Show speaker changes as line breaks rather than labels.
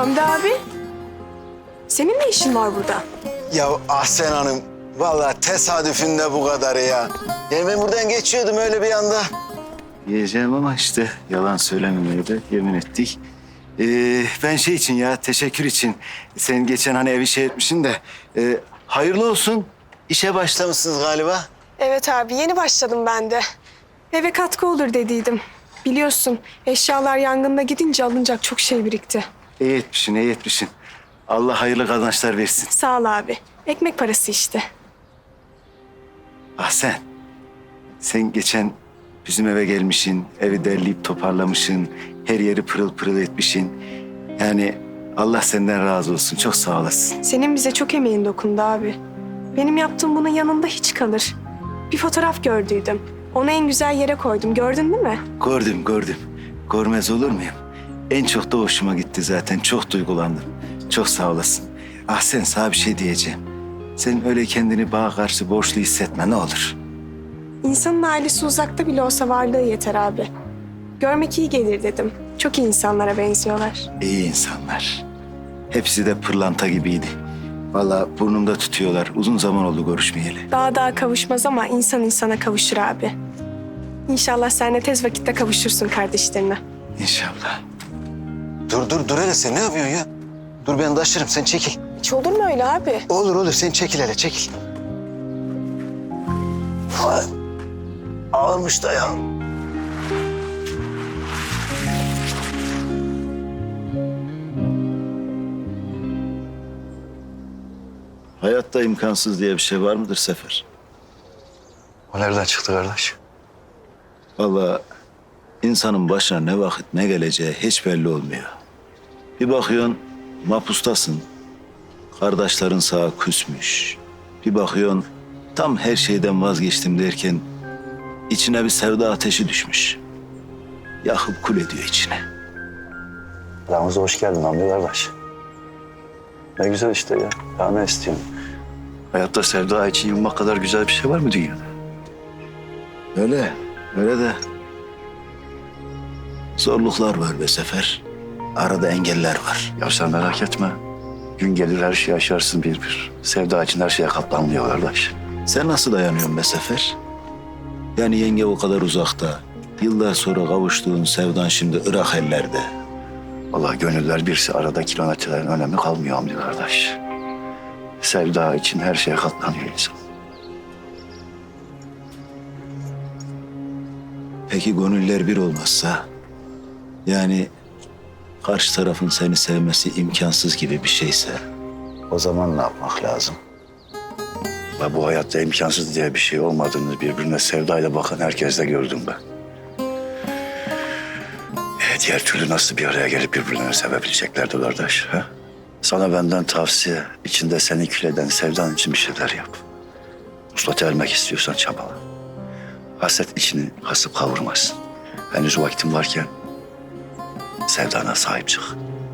Hamdi abi, senin ne işin var burada?
Ya Ahsen Hanım, vallahi tesadüfünde bu kadarı ya. Yani ben buradan geçiyordum öyle bir anda.
Yiyeceğim ama işte yalan söylememeye de yemin ettik. Ben şey için ya, teşekkür için. Sen geçen hani evi şey etmişsin de... hayırlı olsun. İşe
Başlamışsınız galiba.
Evet abi, yeni başladım ben de. Eve katkı olur dediydim. Biliyorsun, eşyalar yangında gidince alınacak çok şey birikti.
İyi etmişsin, iyi etmişsin. Allah hayırlı kazançlar versin.
Sağ ol abi. Ekmek parası işte.
Sen geçen bizim eve gelmişsin, evi derleyip toparlamışsın, her yeri pırıl pırıl etmişsin. Yani Allah senden razı olsun, çok sağ olasın.
Senin bize çok emeğin dokundu abi. Benim yaptığım bunun yanında hiç kalır. Bir fotoğraf gördüydüm. Onu en güzel yere koydum. Gördün değil mi?
Gördüm. Görmez olur muyum? En çok da hoşuma gitti zaten, çok duygulandım. Çok sağ olasın. Sen sana bir şey diyeceğim. Sen öyle kendini bana karşı borçlu hissetme ne olur.
İnsanın ailesi uzakta bile olsa varlığı yeter abi. Görmek iyi gelir dedim. Çok iyi insanlara benziyorlar.
İyi insanlar. Hepsi de pırlanta gibiydi. Vallahi burnumda tutuyorlar. Uzun zaman oldu görüşmeyeli.
Daha kavuşmaz ama insan insana kavuşur abi. İnşallah sen de tez vakitte kavuşursun kardeşlerine.
İnşallah.
Dur hele sen ne yapıyorsun ya? Dur ben taşırım sen çekil.
Hiç olur mu öyle abi?
Olur sen çekil hele çekil. Ay, ağırmış da ya.
Hayatta imkansız diye bir şey var mıdır Sefer?
O nereden çıktı kardeş?
Vallahi insanın başına ne vakit ne geleceği hiç belli olmuyor. Bir bakıyorsun mapustasın. Kardeşlerin sağa küsmüş. Bir bakıyorsun tam her şeyden vazgeçtim derken içine bir sevda ateşi düşmüş. Yakıp kul ediyor içine.
Aramıza hoş geldin Hamdi kardeş. Ne güzel işte ya. Ya ne istiyorsun? Hayatta sevda için yılmak kadar güzel bir şey var mı dünyada?
Öyle de zorluklar var be Sefer. Arada engeller var.
Ya sen merak etme. Gün gelir her şeyi aşarsın bir. Sevda için her şeye katlanmıyor kardeş.
Sen nasıl dayanıyorsun be Sefer? Yani yenge o kadar uzakta. Yıllar sonra kavuştuğun sevdan şimdi Irak ellerde.
Vallahi gönüller birse arada kilometrelerin önemi kalmıyor Hamdi kardeş. Sevda için her şeye katlanıyor insan.
Peki gönüller bir olmazsa? Yani karşı tarafın seni sevmesi imkansız gibi bir şeyse?
O zaman ne yapmak lazım? Ya bu hayatta imkansız diye bir şey olmadığını birbirine sevdayla bakan herkeste gördüm ben. Diğer türlü nasıl bir araya gelip birbirlerini sevebileceklerdi kardeş? Ha? Sana benden tavsiye, içinde seni kül eden sevdan için bir şeyler yap. Uslata ermek istiyorsan çabala. Hasret içini kasıp kavurmasın. Henüz vaktin varken sevdana sahip çık.